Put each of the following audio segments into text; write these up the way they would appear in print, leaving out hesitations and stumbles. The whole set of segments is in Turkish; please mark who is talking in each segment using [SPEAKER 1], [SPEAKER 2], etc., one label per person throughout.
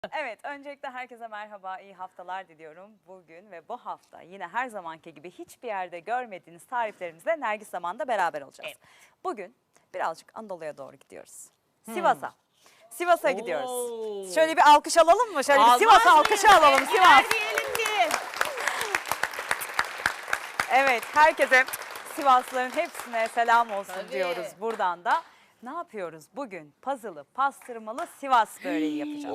[SPEAKER 1] Evet, öncelikle herkese merhaba, iyi haftalar diliyorum. Bugün ve bu hafta yine her zamanki gibi hiçbir yerde görmediğiniz tariflerimizle Nergis Zaman'da beraber olacağız.
[SPEAKER 2] Evet.
[SPEAKER 1] Bugün birazcık Anadolu'ya doğru gidiyoruz. Sivas'a. Sivas'a gidiyoruz. Şöyle bir alkış alalım mı? Şöyle bir Sivas'a alkışı alalım. Sivas. Evet, herkese Sivaslıların hepsine selam olsun
[SPEAKER 2] Tabii.
[SPEAKER 1] diyoruz buradan da. Ne yapıyoruz? Bugün pazılı, pastırmalı Sivas böreği yapacağız.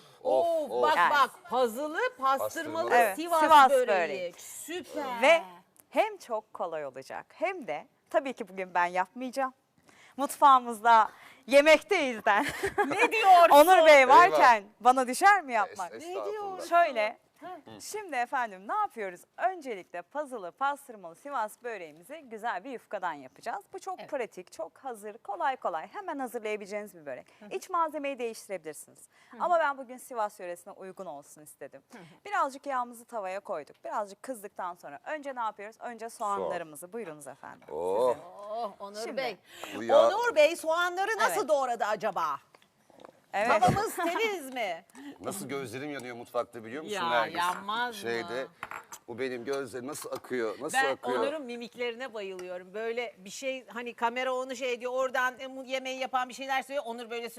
[SPEAKER 2] Bak
[SPEAKER 1] Yani.
[SPEAKER 2] bak puzzle'lı pastırmalı
[SPEAKER 1] Evet,
[SPEAKER 2] Sivas,
[SPEAKER 1] Sivas
[SPEAKER 2] böreği.
[SPEAKER 1] böreği.
[SPEAKER 2] Süper.
[SPEAKER 1] Ve hem çok kolay olacak hem de tabii ki bugün ben yapmayacağım. Mutfağımızda yemekteyiz de.
[SPEAKER 2] Ne diyorsun?
[SPEAKER 1] Onur Bey varken bana düşer mi yapmak?
[SPEAKER 3] Estağfurullah.
[SPEAKER 1] Şöyle, şimdi efendim ne yapıyoruz? Öncelikle pazılı, pastırmalı Sivas böreğimizi güzel bir yufkadan yapacağız. Bu çok
[SPEAKER 2] Evet.
[SPEAKER 1] pratik, çok hazır, kolay hemen hazırlayabileceğiniz bir börek. İç malzemeyi değiştirebilirsiniz. Ama ben bugün Sivas yöresine uygun olsun istedim. Birazcık yağımızı tavaya koyduk. Birazcık kızdıktan sonra önce ne yapıyoruz? Önce soğanlarımızı, buyurunuz efendim.
[SPEAKER 3] Oh,
[SPEAKER 2] Oh, Onur
[SPEAKER 1] Şimdi.
[SPEAKER 2] Bey.
[SPEAKER 3] bu ya-
[SPEAKER 2] Onur Bey soğanları nasıl
[SPEAKER 1] Evet.
[SPEAKER 2] doğradı acaba?
[SPEAKER 1] Evet.
[SPEAKER 2] Tavamız temiz mi?
[SPEAKER 3] nasıl gözlerim yanıyor mutfakta biliyor musun
[SPEAKER 2] Ya,
[SPEAKER 3] Nergis?
[SPEAKER 2] yanmaz mı?
[SPEAKER 3] Şeyde, bu benim gözlerim nasıl akıyor, nasıl
[SPEAKER 2] Ben
[SPEAKER 3] akıyor?
[SPEAKER 2] Onur'un mimiklerine bayılıyorum. Böyle bir şey hani kamera onu şey diyor oradan yemeği yapan bir şeyler söylüyor. Onur böyle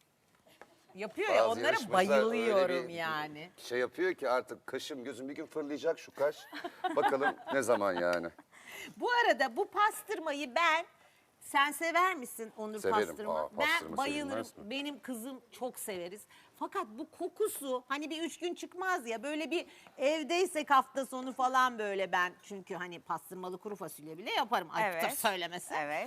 [SPEAKER 2] yapıyor ya,
[SPEAKER 3] Bazı
[SPEAKER 2] onlara
[SPEAKER 3] yarışmacılar öyle
[SPEAKER 2] bayılıyorum
[SPEAKER 3] bir
[SPEAKER 2] yani.
[SPEAKER 3] Şey yapıyor ki artık kaşım gözüm bir gün fırlayacak şu kaş. Bakalım ne zaman yani.
[SPEAKER 2] Bu arada bu pastırmayı sen sever misin Onur
[SPEAKER 3] Severim.
[SPEAKER 2] pastırma?
[SPEAKER 3] Aa, pastırma
[SPEAKER 2] Ben bayılırım.
[SPEAKER 3] sevilmez mi?
[SPEAKER 2] Benim kızım çok severiz. Fakat bu kokusu hani bir 3 gün çıkmaz ya, böyle bir evdeysek hafta sonu falan böyle ben çünkü hani pastırmalı kuru fasulye bile yaparım. Ayıptır
[SPEAKER 1] Evet.
[SPEAKER 2] söylemesi.
[SPEAKER 1] Evet.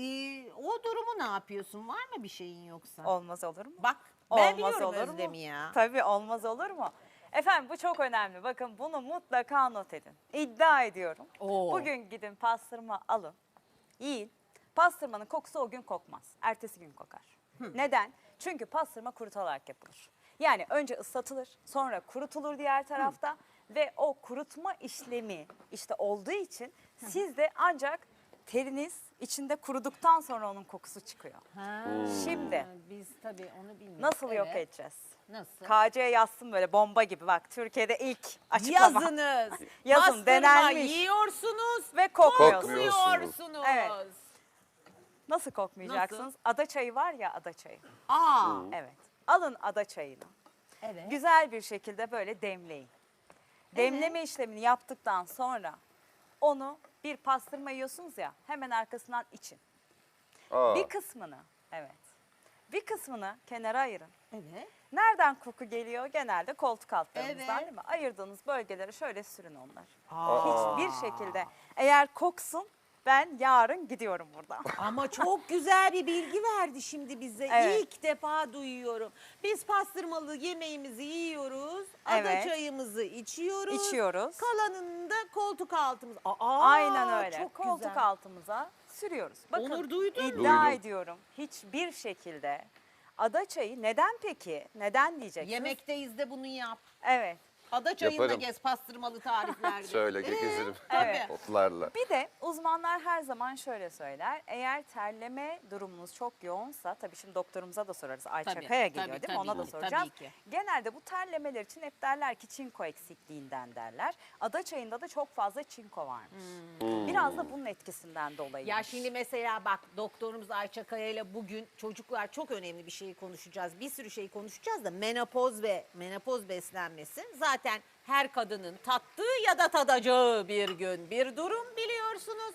[SPEAKER 2] O durumu ne yapıyorsun? Var mı bir şeyin yoksa?
[SPEAKER 1] Olmaz olur mu?
[SPEAKER 2] Bak ben
[SPEAKER 1] Olmaz
[SPEAKER 2] biliyorum
[SPEAKER 1] olur mu?
[SPEAKER 2] Özlem'i ya.
[SPEAKER 1] Tabii olmaz olur mu? Efendim bu çok önemli. Bakın bunu mutlaka not edin. İddia ediyorum.
[SPEAKER 2] Oo.
[SPEAKER 1] Bugün gidin pastırma alın. Yiyin. Pastırmanın kokusu o gün kokmaz. Ertesi gün kokar. Neden? Çünkü pastırma kurutularak yapılır. Yani önce ıslatılır, sonra kurutulur diğer tarafta ve o kurutma işlemi işte olduğu için siz de ancak teriniz içinde kuruduktan sonra onun kokusu çıkıyor.
[SPEAKER 2] Ha,
[SPEAKER 1] Şimdi
[SPEAKER 2] biz tabii onu bilmiyoruz.
[SPEAKER 1] nasıl yok
[SPEAKER 2] Evet.
[SPEAKER 1] edeceğiz?
[SPEAKER 2] Nasıl?
[SPEAKER 1] KC yazsın böyle bomba gibi bak Türkiye'de ilk açıklama.
[SPEAKER 2] Yazınız.
[SPEAKER 1] Yazın,
[SPEAKER 2] Pastırma
[SPEAKER 1] denenmiş.
[SPEAKER 2] yiyorsunuz
[SPEAKER 1] Ve kokmuyorsunuz.
[SPEAKER 2] kokmuyorsunuz.
[SPEAKER 1] Evet. Nasıl kokmayacaksınız?
[SPEAKER 2] Nasıl?
[SPEAKER 1] Ada çayı var ya, ada çayı.
[SPEAKER 2] Aa.
[SPEAKER 1] Evet. Alın ada çayını.
[SPEAKER 2] Evet.
[SPEAKER 1] Güzel bir şekilde böyle demleyin. Demleme işlemini yaptıktan sonra onu bir pastırma yiyorsunuz ya, hemen arkasından için.
[SPEAKER 3] Aa,
[SPEAKER 1] Bir kısmını, evet. Bir kısmını kenara ayırın.
[SPEAKER 2] Evet.
[SPEAKER 1] Nereden koku geliyor? Genelde koltuk altlarımızdan,
[SPEAKER 2] Evet.
[SPEAKER 1] değil mi? Ayırdığınız bölgelere şöyle sürün onlar.
[SPEAKER 2] Aa.
[SPEAKER 1] Hiçbir şekilde. Eğer koksun, ben yarın gidiyorum buradan.
[SPEAKER 2] Ama çok güzel bir bilgi verdi şimdi bize.
[SPEAKER 1] Evet.
[SPEAKER 2] İlk defa duyuyorum. Biz pastırmalı yemeğimizi yiyoruz. Ada
[SPEAKER 1] Evet.
[SPEAKER 2] çayımızı içiyoruz.
[SPEAKER 1] İçiyoruz.
[SPEAKER 2] Kalanını da koltuk altımız. Aa,
[SPEAKER 1] Aynen öyle.
[SPEAKER 2] Çok
[SPEAKER 1] Koltuk
[SPEAKER 2] güzel.
[SPEAKER 1] altımıza sürüyoruz. Bakın,
[SPEAKER 2] Onur, duydun mu?
[SPEAKER 1] iddia
[SPEAKER 3] Duydum.
[SPEAKER 1] ediyorum hiçbir şekilde ada çayı neden peki? Neden diyeceksiniz?
[SPEAKER 2] Yemekteyiz de bunu yap.
[SPEAKER 1] Evet.
[SPEAKER 2] Ada çayında
[SPEAKER 3] Yaparım.
[SPEAKER 2] gez pastırmalı tariflerde.
[SPEAKER 3] şöyle gezerim
[SPEAKER 1] Evet.
[SPEAKER 3] otlarla.
[SPEAKER 1] Bir de uzmanlar her zaman şöyle söyler. Eğer terleme durumunuz çok yoğunsa, tabii şimdi doktorumuza da sorarız. Ayça
[SPEAKER 2] Tabii,
[SPEAKER 1] Kaya geliyor
[SPEAKER 2] tabii,
[SPEAKER 1] değil mi? Ona da
[SPEAKER 2] tabii,
[SPEAKER 1] soracağız.
[SPEAKER 2] tabii ki.
[SPEAKER 1] Genelde bu terlemeler için hep derler ki çinko eksikliğinden derler. Ada çayında da çok fazla çinko varmış. Biraz da bunun etkisinden dolayı.
[SPEAKER 2] Ya şimdi mesela bak, doktorumuz Ayça Kaya ile bugün çocuklar çok önemli bir şeyi konuşacağız. Bir sürü şey konuşacağız da menopoz ve menopoz beslenmesi zaten her kadının tattığı ya da tadacağı bir gün bir durum, biliyorsunuz.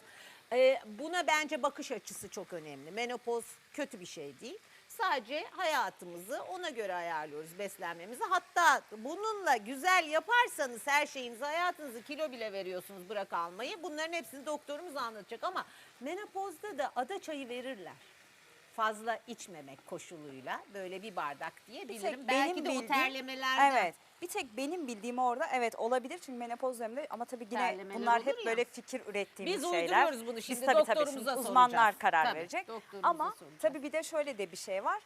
[SPEAKER 2] Buna bence bakış açısı çok önemli. Menopoz kötü bir şey değil. Sadece hayatımızı ona göre ayarlıyoruz, beslenmemizi. Hatta bununla güzel yaparsanız her şeyinizi, hayatınızı, kilo bile veriyorsunuz, bırak almayı. Bunların hepsini doktorumuz anlatacak ama menopozda da ada çayı verirler. Fazla içmemek koşuluyla böyle bir bardak diyebilirim. Belki de o terlemelerden.
[SPEAKER 1] Evet. Bir tek benim bildiğim orada evet olabilir çünkü menopoz döneminde, ama tabii yine
[SPEAKER 2] Terlemeler
[SPEAKER 1] bunlar
[SPEAKER 2] olur
[SPEAKER 1] hep
[SPEAKER 2] ya.
[SPEAKER 1] böyle fikir ürettiğimiz
[SPEAKER 2] Biz
[SPEAKER 1] şeyler.
[SPEAKER 2] uyduruyoruz bunu şimdi,
[SPEAKER 1] Biz tabii
[SPEAKER 2] doktorumuza
[SPEAKER 1] şimdi uzmanlar
[SPEAKER 2] soracağız.
[SPEAKER 1] karar
[SPEAKER 2] Tabii,
[SPEAKER 1] verecek.
[SPEAKER 2] doktorumuza
[SPEAKER 1] Ama
[SPEAKER 2] soracağız.
[SPEAKER 1] tabii bir de şöyle de bir şey var.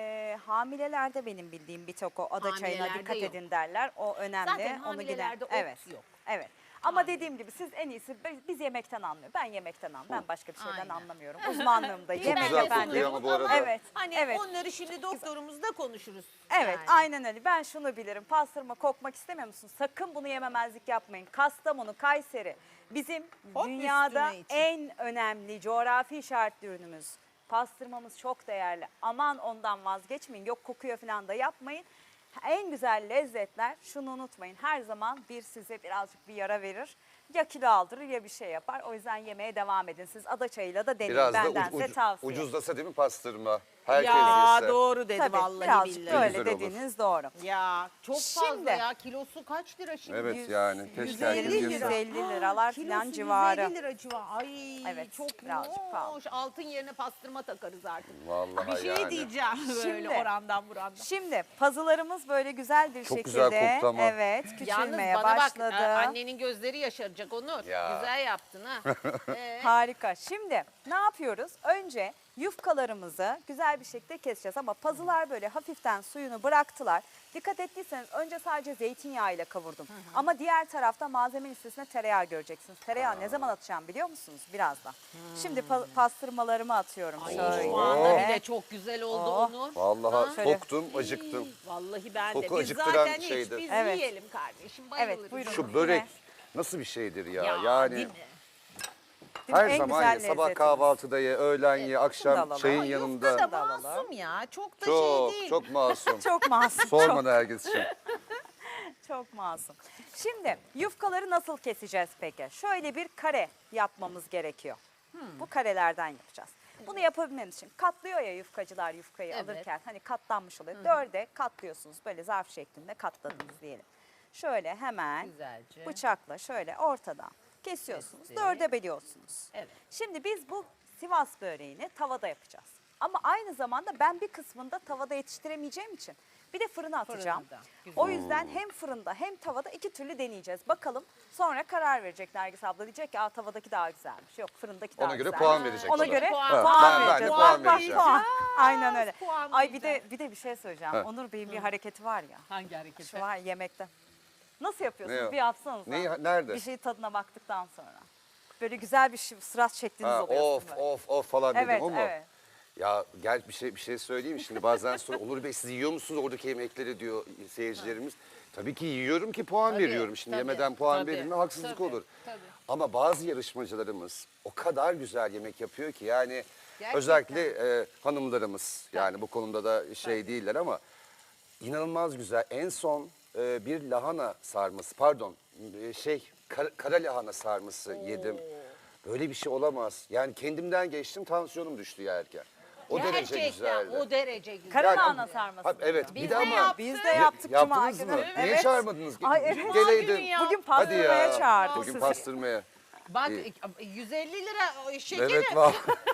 [SPEAKER 1] Hamilelerde benim bildiğim bir tek o ada çayına
[SPEAKER 2] Hamilelerde
[SPEAKER 1] dikkat
[SPEAKER 2] yok.
[SPEAKER 1] edin derler. O önemli.
[SPEAKER 2] Zaten
[SPEAKER 1] Onu
[SPEAKER 2] hamilelerde ot
[SPEAKER 1] evet.
[SPEAKER 2] yok.
[SPEAKER 1] Evet. Ama dediğim gibi siz en iyisi biz yemekten anlıyor. Ben yemekten anlıyorum. Ben başka bir şeyden
[SPEAKER 2] Aynen.
[SPEAKER 1] anlamıyorum. Uzmanlığım da
[SPEAKER 2] Çok
[SPEAKER 1] yemek
[SPEAKER 3] güzel
[SPEAKER 1] efendim.
[SPEAKER 3] kokuyor ama bu arada.
[SPEAKER 1] Evet.
[SPEAKER 2] Hani
[SPEAKER 1] evet.
[SPEAKER 2] onları şimdi doktorumuzla konuşuruz.
[SPEAKER 1] Evet,
[SPEAKER 2] yani.
[SPEAKER 1] aynen öyle. Ben şunu bilirim. Pastırma kokmak istemiyor musun? Sakın bunu yememezlik yapmayın. Kastamonu, Kayseri bizim
[SPEAKER 2] Hop
[SPEAKER 1] dünyada
[SPEAKER 2] üstüne için.
[SPEAKER 1] en önemli coğrafi işaretli ürünümüz. Pastırmamız çok değerli. Aman ondan vazgeçmeyin. Yok kokuyor falan da yapmayın. En güzel lezzetler, şunu unutmayın. Her zaman bir size birazcık bir yara verir. Ya kilo aldırır ya bir şey yapar. O yüzden yemeye devam edin. Siz adaçayıyla da deneyin.
[SPEAKER 3] Biraz da
[SPEAKER 1] Bendense tavsiye.
[SPEAKER 3] ucuzlasa değil mi pastırma? Herkes
[SPEAKER 2] Ya
[SPEAKER 3] yese.
[SPEAKER 2] doğru dedi
[SPEAKER 1] Tabii
[SPEAKER 2] vallahi
[SPEAKER 1] birazcık
[SPEAKER 2] billahi.
[SPEAKER 1] böyle
[SPEAKER 3] Güzel olur.
[SPEAKER 1] dediğiniz doğru.
[SPEAKER 2] Ya çok fazla
[SPEAKER 1] Şimdi-
[SPEAKER 2] ya. Kilosu kaç lira şimdi?
[SPEAKER 3] Evet yani keşke
[SPEAKER 1] 150
[SPEAKER 3] herkes yese.
[SPEAKER 1] 150 liralar
[SPEAKER 2] Kilosu
[SPEAKER 1] falan civarı.
[SPEAKER 2] 150 lira civarı. Ay
[SPEAKER 1] Evet,
[SPEAKER 2] çok
[SPEAKER 1] birazcık pahalı.
[SPEAKER 2] hoş. Altın yerine pastırma takarız artık.
[SPEAKER 3] Vallahi
[SPEAKER 2] Bir şey
[SPEAKER 3] yani.
[SPEAKER 2] diyeceğim böyle
[SPEAKER 1] Şimdi-
[SPEAKER 2] orandan burandan.
[SPEAKER 1] Şimdi pazılarımız böyle güzel bir
[SPEAKER 3] Çok
[SPEAKER 1] şekilde
[SPEAKER 3] güzel koktu ama.
[SPEAKER 1] evet
[SPEAKER 2] Yalnız
[SPEAKER 1] küçülmeye
[SPEAKER 2] bana
[SPEAKER 1] başladı.
[SPEAKER 2] bak annenin gözleri yaşaracak Onur.
[SPEAKER 3] Ya.
[SPEAKER 2] Güzel yaptın ha.
[SPEAKER 1] Harika. Şimdi ne yapıyoruz? Önce yufkalarımızı güzel bir şekilde keseceğiz ama pazılar böyle hafiften suyunu bıraktılar. Dikkat ettiyseniz önce sadece zeytinyağı ile kavurdum. Ama diğer tarafta malzeme listesine tereyağı göreceksiniz. Tereyağı ne zaman atacağım biliyor musunuz? Birazdan. Şimdi pastırmalarımı atıyorum
[SPEAKER 2] Ay
[SPEAKER 1] şöyle.
[SPEAKER 2] şu anda bile çok güzel oldu
[SPEAKER 1] Oh.
[SPEAKER 2] Onur.
[SPEAKER 3] Vallahi
[SPEAKER 1] Şöyle.
[SPEAKER 3] toktum, acıktım.
[SPEAKER 2] Vallahi ben de.
[SPEAKER 3] Koku
[SPEAKER 2] Biz
[SPEAKER 3] acıktıran
[SPEAKER 2] zaten hiç
[SPEAKER 3] şeydi.
[SPEAKER 2] biz
[SPEAKER 1] Evet.
[SPEAKER 2] yiyelim kardeşim.
[SPEAKER 1] Evet,
[SPEAKER 2] Bayılırız.
[SPEAKER 1] buyurun.
[SPEAKER 3] Şu börek nasıl bir şeydir ya?
[SPEAKER 2] Ya,
[SPEAKER 3] Yani
[SPEAKER 2] değil mi?
[SPEAKER 1] Değil mi?
[SPEAKER 3] her
[SPEAKER 1] En
[SPEAKER 3] zaman
[SPEAKER 1] güzel
[SPEAKER 3] ye. Sabah
[SPEAKER 1] lezzetimiz.
[SPEAKER 3] kahvaltıda ye, öğlen ye,
[SPEAKER 1] Şunu da
[SPEAKER 3] akşam
[SPEAKER 1] alalım.
[SPEAKER 3] çayın
[SPEAKER 1] Ay,
[SPEAKER 3] yanında.
[SPEAKER 2] Yufka da
[SPEAKER 1] Da alalım.
[SPEAKER 2] masum ya. Çok da
[SPEAKER 3] Çok
[SPEAKER 2] şey değil.
[SPEAKER 3] çok masum.
[SPEAKER 1] Çok masum.
[SPEAKER 3] Sorma Nergis'ciğim.
[SPEAKER 1] Çok masum. Şimdi yufkaları nasıl keseceğiz peki? Şöyle bir kare yapmamız gerekiyor. Bu karelerden yapacağız. Bunu yapabilmemiz için katlıyor ya yufkacılar yufkayı
[SPEAKER 2] Evet.
[SPEAKER 1] alırken hani katlanmış oluyor. Dörde katlıyorsunuz böyle zarf şeklinde katladınız diyelim. Şöyle hemen
[SPEAKER 2] Güzelce.
[SPEAKER 1] bıçakla şöyle ortadan kesiyorsunuz.
[SPEAKER 2] Kestik.
[SPEAKER 1] Dörde bölüyorsunuz.
[SPEAKER 2] Evet.
[SPEAKER 1] Şimdi biz bu Sivas böreğini tavada yapacağız. Ama aynı zamanda ben bir kısmını da tavada yetiştiremeyeceğim için bir de fırına atacağım.
[SPEAKER 2] Fırında, güzel.
[SPEAKER 1] O yüzden hem fırında hem tavada iki türlü deneyeceğiz. Bakalım sonra karar verecek Nergis abla. Diyecek ki tavadaki daha güzelmiş. Yok fırındaki daha
[SPEAKER 3] Ona göre
[SPEAKER 1] güzelmiş.
[SPEAKER 3] puan verecek
[SPEAKER 1] Ona
[SPEAKER 3] bana.
[SPEAKER 1] göre
[SPEAKER 2] Puan.
[SPEAKER 1] puan
[SPEAKER 3] Ben de
[SPEAKER 1] vereceğiz.
[SPEAKER 3] puan
[SPEAKER 1] Bak,
[SPEAKER 3] vereceğim.
[SPEAKER 1] puan. Aynen öyle.
[SPEAKER 2] Puan
[SPEAKER 1] Ay
[SPEAKER 2] vereceğiz.
[SPEAKER 1] bir de bir şey söyleyeceğim.
[SPEAKER 3] Heh.
[SPEAKER 1] Onur Bey'in bir hareketi var ya.
[SPEAKER 2] Hangi hareket?
[SPEAKER 1] Şu var yemekte. Nasıl yapıyorsunuz?
[SPEAKER 3] Ne o?
[SPEAKER 1] Bir yapsanız.
[SPEAKER 3] Nerede?
[SPEAKER 1] Bir şey tadına baktıktan sonra. Böyle güzel bir sırat şekliniz
[SPEAKER 3] Ha,
[SPEAKER 1] oluyor.
[SPEAKER 3] of
[SPEAKER 1] sizin böyle.
[SPEAKER 3] of falan dedim
[SPEAKER 1] Evet,
[SPEAKER 3] o mu?
[SPEAKER 1] evet.
[SPEAKER 3] Ya gel bir şey söyleyeyim mi? Şimdi bazen sonra Onur Bey siz yiyor musunuz oradaki yemekleri diyor seyircilerimiz. Tabii ki yiyorum ki puan
[SPEAKER 2] Tabii,
[SPEAKER 3] veriyorum. Şimdi
[SPEAKER 2] tabii,
[SPEAKER 3] yemeden puan
[SPEAKER 2] tabii,
[SPEAKER 3] verilme haksızlık
[SPEAKER 2] tabii,
[SPEAKER 3] olur.
[SPEAKER 2] tabii.
[SPEAKER 3] Ama bazı yarışmacılarımız o kadar güzel yemek yapıyor ki yani
[SPEAKER 2] Gerçekten.
[SPEAKER 3] özellikle hanımlarımız yani bu konuda da şey değiller ama inanılmaz güzel. En son bir lahana sarması pardon kara lahana sarması yedim. Böyle bir şey olamaz. Yani kendimden geçtim tansiyonum düştü yerken. O derece
[SPEAKER 2] Gerçekten
[SPEAKER 3] güzeldi.
[SPEAKER 2] o derece güzel.
[SPEAKER 1] Kara
[SPEAKER 3] Yani-
[SPEAKER 1] lahana sarması.
[SPEAKER 3] Ha, evet
[SPEAKER 2] Biz
[SPEAKER 3] bir
[SPEAKER 2] de
[SPEAKER 3] de ama
[SPEAKER 2] yaptık.
[SPEAKER 1] Biz de yaptık Cuma
[SPEAKER 3] yaptınız
[SPEAKER 1] günü.
[SPEAKER 3] mı? Niye
[SPEAKER 1] Evet.
[SPEAKER 3] çağırmadınız?
[SPEAKER 1] Ay, evet.
[SPEAKER 3] Geleydin.
[SPEAKER 2] Cuma günü ya.
[SPEAKER 1] Bugün
[SPEAKER 3] Hadi
[SPEAKER 1] pastırmaya
[SPEAKER 3] ya.
[SPEAKER 1] çağırdık
[SPEAKER 3] Bugün
[SPEAKER 1] sizi.
[SPEAKER 3] pastırmaya.
[SPEAKER 2] Bak
[SPEAKER 3] İyi.
[SPEAKER 2] 150 lira şekeri.
[SPEAKER 3] Evet var.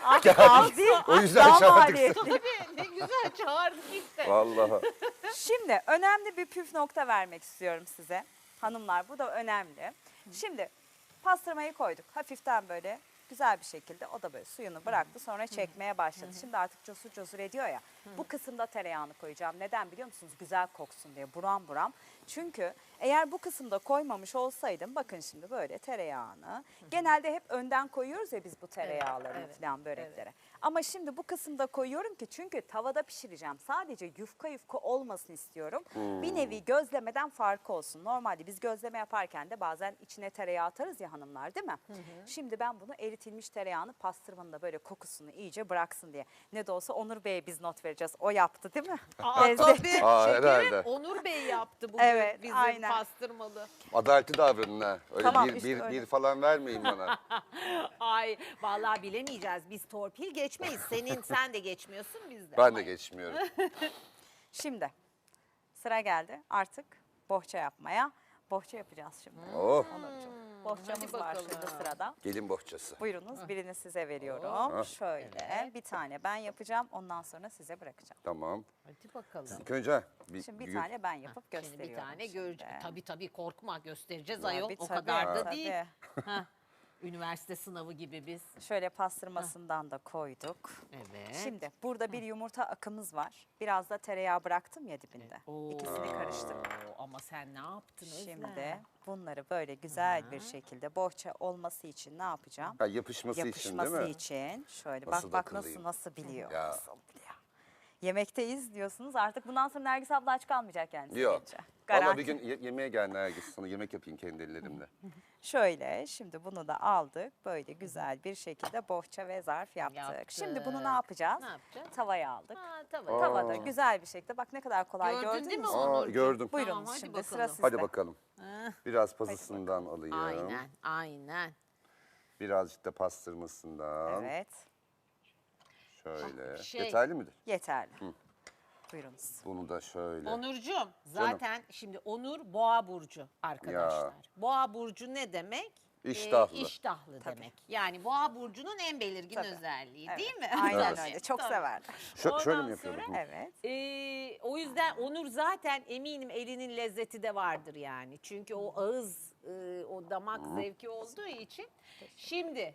[SPEAKER 1] Az değil.
[SPEAKER 3] O yüzden
[SPEAKER 1] Daha
[SPEAKER 3] çağırdık
[SPEAKER 1] maliyetli.
[SPEAKER 2] Tabii ne güzel çağırdık işte.
[SPEAKER 3] Vallahi.
[SPEAKER 1] Şimdi önemli bir püf nokta vermek istiyorum size. Hanımlar bu da önemli. Şimdi pastırmayı koyduk. Hafiften böyle güzel bir şekilde o da böyle suyunu bıraktı. Sonra çekmeye başladı. Şimdi artık cosur cosur ediyor ya. Bu kısımda tereyağını koyacağım. Neden biliyor musunuz? Güzel koksun diye buram buram. Çünkü eğer bu kısımda koymamış olsaydım bakın şimdi böyle tereyağını. Genelde hep önden koyuyoruz ya biz bu tereyağlarını
[SPEAKER 2] evet,
[SPEAKER 1] falan böreklere. Ama şimdi bu kısımda koyuyorum ki çünkü tavada pişireceğim. Sadece yufka yufka olmasın istiyorum. Bir nevi gözlemeden farkı olsun. Normalde biz gözleme yaparken de bazen içine tereyağı atarız ya hanımlar değil mi? Şimdi ben bunu eritilmiş tereyağını pastırmanın da böyle kokusunu iyice bıraksın diye. Ne de olsa Onur Bey'e biz not vereceğiz. O yaptı değil mi?
[SPEAKER 2] Aa,
[SPEAKER 1] Lezzet.
[SPEAKER 2] tabii.
[SPEAKER 3] Aa,
[SPEAKER 2] Şekerim
[SPEAKER 3] herhalde.
[SPEAKER 2] Onur Bey yaptı bugün
[SPEAKER 1] Evet,
[SPEAKER 2] bizim
[SPEAKER 1] aynen.
[SPEAKER 2] pastırmalı.
[SPEAKER 3] Adaletli davranın ha. Öyle
[SPEAKER 1] Tamam,
[SPEAKER 3] bir,
[SPEAKER 1] işte
[SPEAKER 3] bir,
[SPEAKER 1] öyle.
[SPEAKER 3] bir falan vermeyin bana.
[SPEAKER 2] Ay vallahi bilemeyeceğiz. Biz torpil geçmeyiz. Sen de geçmiyorsun biz de.
[SPEAKER 3] Ben
[SPEAKER 2] Ama
[SPEAKER 3] de geçmiyorum.
[SPEAKER 1] Şimdi sıra geldi artık bohça yapmaya. Bohça yapacağız şimdi.
[SPEAKER 3] Oh,
[SPEAKER 1] Bohçamız
[SPEAKER 2] hadi
[SPEAKER 1] var
[SPEAKER 2] bakalım.
[SPEAKER 1] şimdi sırada.
[SPEAKER 3] gelin bohçası.
[SPEAKER 1] Buyurunuz birini size veriyorum.
[SPEAKER 3] Ah.
[SPEAKER 1] Şöyle bir tane ben yapacağım ondan sonra size bırakacağım.
[SPEAKER 3] Tamam.
[SPEAKER 2] Hadi bakalım.
[SPEAKER 3] İlk önce
[SPEAKER 1] Şimdi bir
[SPEAKER 3] gül-
[SPEAKER 1] tane ben yapıp
[SPEAKER 2] Şimdi
[SPEAKER 1] gösteriyorum.
[SPEAKER 2] bir tane göreceğiz. Tabii korkma göstereceğiz
[SPEAKER 1] Tabii,
[SPEAKER 2] ayol. O
[SPEAKER 1] tabii,
[SPEAKER 2] kadar da
[SPEAKER 1] tabii.
[SPEAKER 2] değil. Hah, üniversite sınavı gibi biz.
[SPEAKER 1] Şöyle pastırmasından da koyduk.
[SPEAKER 2] Evet.
[SPEAKER 1] Şimdi burada bir yumurta akımız var. Biraz da tereyağı bıraktım ya dibinde.
[SPEAKER 2] Oo.
[SPEAKER 1] İkisini karıştırdım.
[SPEAKER 2] ama sen ne yaptın Özlem?
[SPEAKER 1] Şimdi bunları böyle güzel bir şekilde bohça olması için ne yapacağım?
[SPEAKER 3] Ha, yapışması için değil
[SPEAKER 1] Yapışması
[SPEAKER 3] mi?
[SPEAKER 1] için şöyle
[SPEAKER 3] Nasıl
[SPEAKER 1] bak
[SPEAKER 3] akıllıyım.
[SPEAKER 1] nasıl biliyor.
[SPEAKER 3] Ya.
[SPEAKER 1] Nasıl biliyor. Yemekteyiz diyorsunuz, artık bundan sonra Nergis abla aç kalmayacak kendisi.
[SPEAKER 3] Yok.
[SPEAKER 1] gelince.
[SPEAKER 3] Valla
[SPEAKER 1] Garanti.
[SPEAKER 3] bir gün yemeğe gel Nergis. Sana yemek yapayım kendi ellerimle.
[SPEAKER 1] Şöyle şimdi bunu da aldık. Böyle güzel bir şekilde bohça ve zarf yaptık.
[SPEAKER 2] Yaptık.
[SPEAKER 1] Şimdi bunu ne yapacağız?
[SPEAKER 2] Ne yapacağız?
[SPEAKER 1] Tavaya aldık.
[SPEAKER 2] Ha, tamam.
[SPEAKER 1] Tavada güzel bir şekilde, bak ne kadar kolay,
[SPEAKER 2] Gördün
[SPEAKER 1] gördünüz
[SPEAKER 2] değil mi
[SPEAKER 1] mü?
[SPEAKER 2] Onurcuğum?
[SPEAKER 3] gördüm.
[SPEAKER 1] Buyurun
[SPEAKER 2] Tamam, hadi
[SPEAKER 1] şimdi
[SPEAKER 2] bakalım.
[SPEAKER 1] sıra sizde.
[SPEAKER 3] Hadi bakalım.
[SPEAKER 2] Ah,
[SPEAKER 3] Biraz pazısından alayım.
[SPEAKER 2] aynen, aynen.
[SPEAKER 3] Birazcık da pastırmasından.
[SPEAKER 1] Evet,
[SPEAKER 3] Şöyle.
[SPEAKER 2] Şey-
[SPEAKER 3] Yeterli midir?
[SPEAKER 1] yeterli. Buyurunuz.
[SPEAKER 3] Bunu da şöyle.
[SPEAKER 2] Onurcuğum zaten şimdi Onur Boğa burcu arkadaşlar.
[SPEAKER 3] Ya.
[SPEAKER 2] Boğa burcu ne demek?
[SPEAKER 3] İştahlı.
[SPEAKER 2] İştahlı
[SPEAKER 1] Tabii.
[SPEAKER 2] demek. Yani Boğa burcunun en belirgin
[SPEAKER 1] Tabii.
[SPEAKER 2] özelliği
[SPEAKER 1] Evet,
[SPEAKER 2] değil mi?
[SPEAKER 1] Aynen
[SPEAKER 3] Evet.
[SPEAKER 1] öyle. Çok
[SPEAKER 2] Tabii.
[SPEAKER 1] severler.
[SPEAKER 3] Şöyle
[SPEAKER 2] Ondan
[SPEAKER 3] mi yapıyorum?
[SPEAKER 2] sonra-
[SPEAKER 1] Evet.
[SPEAKER 2] O yüzden Onur zaten eminim elinin lezzeti de vardır yani. Çünkü o ağız, o damak zevki olduğu için. Şimdi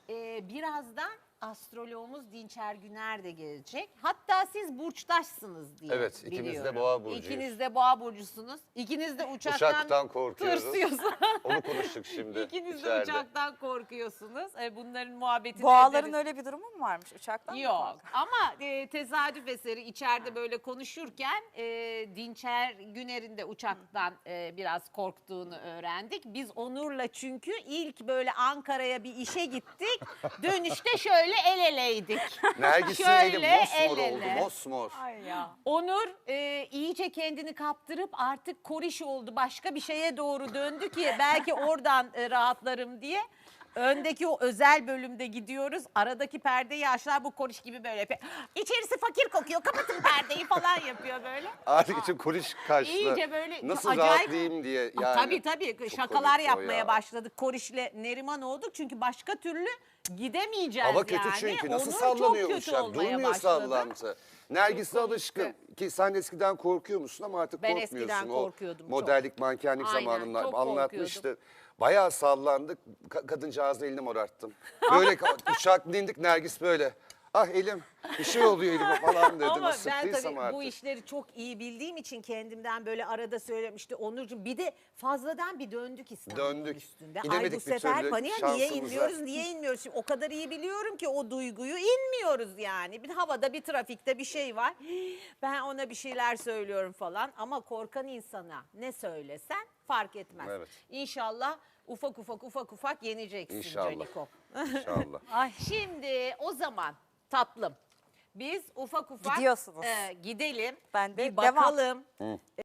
[SPEAKER 2] birazdan astroloğumuz Dinçer Güner de gelecek. Hatta siz burçtaşsınız diye
[SPEAKER 3] Evet, ikimiz de
[SPEAKER 2] biliyorum.
[SPEAKER 3] Boğa burcuyuz.
[SPEAKER 2] İkiniz de Boğa burcusunuz. İkiniz de
[SPEAKER 3] Uçaktan korkuyoruz.
[SPEAKER 2] tırsıyorsunuz.
[SPEAKER 3] Onu konuştuk şimdi.
[SPEAKER 2] İkiniz de
[SPEAKER 3] içeride.
[SPEAKER 2] uçaktan korkuyorsunuz. Bunların muhabbetini
[SPEAKER 1] Boğaların
[SPEAKER 2] ederiz.
[SPEAKER 1] öyle bir durumu mu varmış uçaktan? mı
[SPEAKER 2] Yok
[SPEAKER 1] korkuyor?
[SPEAKER 2] ama tesadüf eseri içeride böyle konuşurken Dinçer Güner'in de uçaktan biraz korktuğunu öğrendik. Biz Onur'la çünkü ilk böyle Ankara'ya bir işe gittik. Dönüşte şöyle el eleydik.
[SPEAKER 3] Nergis'in
[SPEAKER 2] Şöyle
[SPEAKER 3] eli mosmor
[SPEAKER 2] el
[SPEAKER 3] oldu.
[SPEAKER 2] ele.
[SPEAKER 3] Mosmor.
[SPEAKER 1] Ay ya.
[SPEAKER 2] Onur iyice kendini kaptırıp artık koriş oldu. Başka bir şeye doğru döndü ki belki oradan rahatlarım diye. Öndeki o özel bölümde gidiyoruz. Aradaki perdeyi aşağı bu koriş gibi böyle yapıyor. İçerisi fakir kokuyor. Kapatın perdeyi falan yapıyor böyle.
[SPEAKER 3] Artık için kuruş kaçtı.
[SPEAKER 2] İyice böyle
[SPEAKER 3] Nasıl
[SPEAKER 2] acayip-
[SPEAKER 3] rahatlayayım diye. Yani.
[SPEAKER 2] Tabii
[SPEAKER 3] Çok
[SPEAKER 2] şakalar
[SPEAKER 3] komik o
[SPEAKER 2] yapmaya
[SPEAKER 3] ya.
[SPEAKER 2] başladık. Koriş'le Neriman olduk. Çünkü başka türlü gidemeyeceğiz
[SPEAKER 3] Hava kötü
[SPEAKER 2] yani.
[SPEAKER 3] çünkü. Nasıl
[SPEAKER 2] Onur
[SPEAKER 3] sallanıyor
[SPEAKER 2] çok kötü
[SPEAKER 3] uçak?
[SPEAKER 2] olmaya
[SPEAKER 3] Durmuyor
[SPEAKER 2] başladı.
[SPEAKER 3] sallantı. Nergis'le
[SPEAKER 2] Çok
[SPEAKER 3] alışkın.
[SPEAKER 2] komikti.
[SPEAKER 3] Ki sen eskiden korkuyor musun ama artık
[SPEAKER 2] Ben
[SPEAKER 3] korkmuyorsun.
[SPEAKER 2] eskiden
[SPEAKER 3] O
[SPEAKER 2] korkuyordum çok.
[SPEAKER 3] modellik, mankenlik
[SPEAKER 2] Aynen,
[SPEAKER 3] zamanında
[SPEAKER 2] çok
[SPEAKER 3] anlatmıştı. Bayağı sallandık. Kadıncağızla elini morarttım. Böyle uçaktan indik, Nergis böyle. Ah elim, bir şey oluyor elime falan dedi.
[SPEAKER 2] Ama
[SPEAKER 3] Nasıl
[SPEAKER 2] ben
[SPEAKER 3] sıktıysam
[SPEAKER 2] tabii
[SPEAKER 3] artık.
[SPEAKER 2] bu işleri çok iyi bildiğim için kendimden böyle arada söylemişti Onurcuğum. Bir de fazladan bir döndük İstanbul'un
[SPEAKER 3] Döndük.
[SPEAKER 2] üstünde. Ay
[SPEAKER 3] İnemedik
[SPEAKER 2] bu
[SPEAKER 3] bir
[SPEAKER 2] sefer
[SPEAKER 3] türlü
[SPEAKER 2] paniğe niye
[SPEAKER 3] şansımıza.
[SPEAKER 2] inmiyoruz, niye inmiyoruz? Şimdi o kadar iyi biliyorum ki o duyguyu inmiyoruz yani. Bir havada bir trafikte bir şey var. Ben ona bir şeyler söylüyorum falan ama korkan insana ne söylesen fark etmez.
[SPEAKER 3] Evet.
[SPEAKER 2] İnşallah ufak ufak yeneceksin
[SPEAKER 3] İnşallah.
[SPEAKER 2] Caniko.
[SPEAKER 3] İnşallah.
[SPEAKER 1] Ay.
[SPEAKER 2] Şimdi o zaman tatlım biz ufak
[SPEAKER 1] Gidiyorsunuz.
[SPEAKER 2] gidelim.
[SPEAKER 1] Ben de
[SPEAKER 2] bir bakalım.